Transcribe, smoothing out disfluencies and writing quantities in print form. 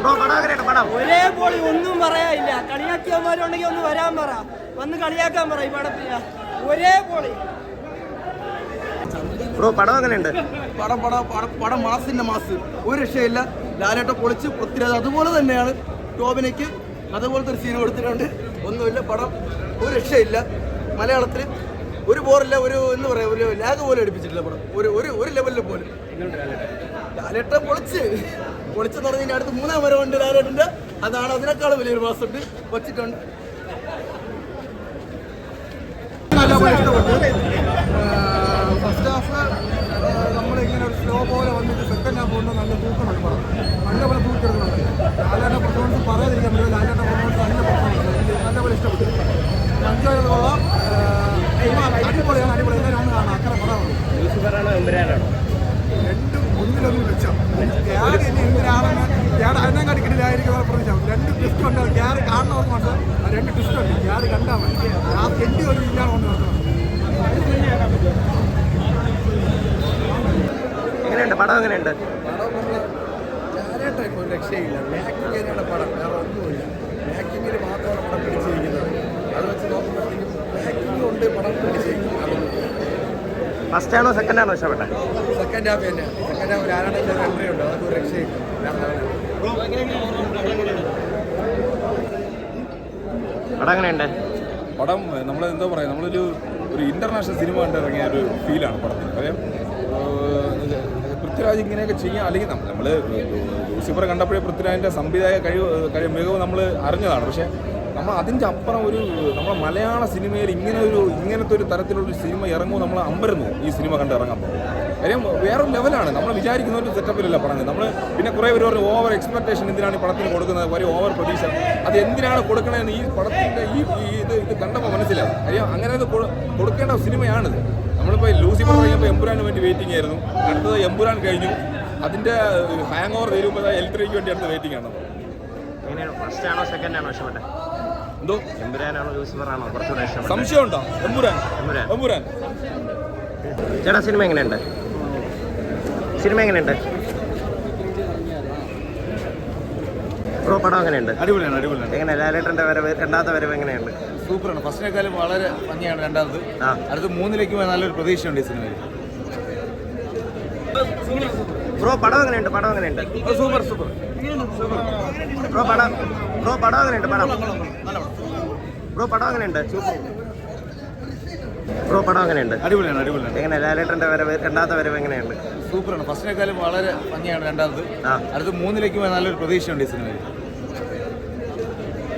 ഒരേ പോളി ഒന്നും പറയാനില്ല. കളിയാക്കിയവന്മാരുണ്ടെങ്കിൽ ഒന്ന് വരാൻ പറ, വന്ന് കളിയാക്കാൻ പറ. ഈ പടത്തില്ല ഒരേ പോളി. പടം എങ്ങനെയുണ്ട്? പടം മാസിന്റെ മാസ്, ഒരു രക്ഷയില്ല. ലാലേട്ട പൊളിച്ച് പൃഥ്വിരാജ് അതുപോലെ തന്നെയാണ്. ടോബിനയ്ക്ക് അതുപോലത്തെ ഒരു സീൻ കൊടുത്തിട്ടുണ്ട്. ഒന്നുമില്ല, പടം ഒരു രക്ഷയില്ല. മലയാളത്തിൽ ഒരു ബോറില്ല, ഒരു എന്ന് പറയാം, ഒരു ലാഗ് പോലും അടുപ്പിച്ചിട്ടില്ല പടം, ഒരു ലെവലിൽ പോലും. ലാലേട്ട പൊളിച്ചെന്ന് പറഞ്ഞാൽ അടുത്ത് 3-ാം വരവുണ്ട് ലാലേട്ടൻ്റെ. അതാണ് അതിനേക്കാളും വലിയൊരു മാസമുണ്ട് വച്ചിട്ടുണ്ട്. ഫസ്റ്റ് ഹാഫ് നമ്മളിങ്ങനെ ഒരു സ്ലോ പോലെ വന്നിട്ട് സെക്കൻഡ് ഹാഫ് കൊണ്ട് നല്ല തൂക്കമുണ്ട് പടം. നല്ലപോലെ തൂക്കെടുക്കുന്നുണ്ട്. ലാലേട്ട പെർഫോമൻസ് പറയാതിരിക്കാൻ പറ്റില്ല. ലാലേട്ട പെർഫോമൻസ് നല്ല പെർഫോമൻസ് നല്ലപോലെ ഇഷ്ടപ്പെട്ടു. എൻജോയ് ചെയ്തോളാം. അടിപൊളിയാണ്, അടിപൊളി. എല്ലാവരും ഒന്ന് കാണാം. അത്ര പടമാണ്. രണ്ടും ഒന്നിലൊന്നും വെച്ചോ. ക്യാരി ഇനി എന്തിനാണെന്ന് ക്യാരി അതിനെക്കാട്ടി കിട്ടില്ലായിരിക്കും പ്രതീക്ഷിച്ചു. 2 ട്വിസ്റ്റ് ഉണ്ട്. ക്യാരി കാണണമെന്ന് കൊണ്ട് 2 ട്വിസ്റ്റ് ഉണ്ട്. ക്യാരി കണ്ടാൽ മതി. ആ എൻഡി ഒരു ഇല്ലാതെ കൊണ്ട് നടത്തണം. എങ്ങനെയുണ്ട് പടം? എങ്ങനെയുണ്ട് പടം? ലാലേട്ടായിട്ട് ഒരു രക്ഷയില്ല. മേക്കിംഗ് തന്നെയാണ് പടം, വേറെ ഒന്നുമില്ല. മേക്കിങ്ങിൽ മാത്രമാണ് പടം പിടിച്ചിരിക്കുന്നത്. അത് വെച്ച് നോക്കുമ്പോഴത്തേക്കും മേക്കിംഗ് കൊണ്ട് പടം പിടിച്ചിരിക്കുന്നത്. ഫസ്റ്റ് ആണോ സെക്കൻഡ് ആണോ ഇഷ്ടപ്പെട്ടത്? സെക്കൻഡ് ഹാഫ് തന്നെയാണ്. സെക്കൻഡ് ഹാഫ് ലാലേട്ടൻ്റെ ഒരു എൻട്രി ഉണ്ട്, അതൊക്കെ ഒരു രക്ഷയില്ല. പടം എങ്ങനെയുണ്ട്? പടം നമ്മൾ എന്താ പറയുക, നമ്മളൊരു ഇൻ്റർനാഷണൽ സിനിമ കണ്ട് ഇറങ്ങിയ ഒരു ഫീലാണ് പടത്തിന്. കാര്യം പൃഥ്വിരാജ് ഇങ്ങനെയൊക്കെ ചെയ്യാം. അല്ലെങ്കിൽ നമ്മൾ ലൂസിഫർ കണ്ടപ്പോഴേ പൃഥ്വിരാജിൻ്റെ സംവിധായക മികവ് നമ്മൾ അറിഞ്ഞതാണ്. പക്ഷേ നമ്മൾ അതിൻ്റെ അപ്പുറം നമ്മുടെ മലയാള സിനിമയിൽ ഇങ്ങനത്തെ ഒരു തരത്തിലുള്ള സിനിമ ഇറങ്ങുമ്പോൾ നമ്മൾ അമ്പരന്നു ഈ സിനിമ കണ്ട് ഇറങ്ങാൻ പോകും. കാര്യം വേറൊരു ലെവലാണ്. നമ്മൾ വിചാരിക്കുന്ന ഒരു സെറ്റപ്പിലല്ല പറഞ്ഞത്. നമ്മൾ പിന്നെ കുറേ പേര് പറഞ്ഞു ഓവർ എക്സ്പെക്ടേഷൻ എന്തിനാണ് ഈ പടത്തിന് കൊടുക്കുന്നത്, വലിയ ഓവർ പ്രതീക്ഷ. അത് എന്തിനാണ് കൊടുക്കണമെന്ന് ഈ പടത്തിൻ്റെ ഇത് കണ്ടപ്പോൾ മനസ്സിലാവും. കാര്യം അങ്ങനെ കൊടുക്കേണ്ട സിനിമയാണിത്. നമ്മളിപ്പോൾ ലൂസിഫർ കഴിയുമ്പോൾ എമ്പുരാന് വേണ്ടി വെയിറ്റിംഗ് ആയിരുന്നു. അടുത്തത് എമ്പുരാൻ കഴിഞ്ഞു. അതിൻ്റെ ഹാങ് ഓവർ തീരുമ്പോൾ L3ക്ക് വേണ്ടി അടുത്ത് വെയിറ്റിംഗ് ആണ്. ഫസ്റ്റ് ആണോ സെക്കൻഡ് ആണോ ഇഷ്ടപ്പെട്ടത്? എന്തോ എമ്പുരാനാണോ ലൂസിഫർ ആണോ കുറച്ചുകൂടെ ഇഷ്ടപ്പെട്ടത്? സംശയമുണ്ടോ? എമ്പുരാൻ. ചേട്ടാ സിനിമ എങ്ങനെയുണ്ട്? പടം എങ്ങനെയുണ്ട്? അടിപൊളിയാണ്. എങ്ങനെ ലാലേട്ടൻ്റെ വരവ്, രണ്ടാമത്തെ വരവ് എങ്ങനെയുണ്ട്? സൂപ്പറാണ്. ഫസ്റ്റിനേക്കാളും വളരെ ഭംഗിയാണ് രണ്ടാമത്. അടുത്ത് 3ലേക്ക് പോയാൽ നല്ലൊരു പ്രതീക്ഷയുണ്ട് ഈ സിനിമയിൽ. പടം എങ്ങനെയുണ്ട്? സൂപ്പർ. പടം എങ്ങനെയുണ്ട്? പടം എങ്ങനെയുണ്ട്? പടം എങ്ങനെയുണ്ട്? അടിപൊളിയാണ്. എങ്ങനെ ലാലേട്ടൻ്റെ വരവ്, രണ്ടാമത്തെ വരവ് എങ്ങനെയുണ്ട്? സൂപ്പറാണ്. ഫസ്റ്റിനേക്കാളും വളരെ ഭംഗിയാണ് രണ്ടാമത്. അടുത്ത് 3ലേക്ക് പോയാൽ നല്ലൊരു പ്രതീക്ഷയുണ്ട് ഈ സിനിമയിൽ.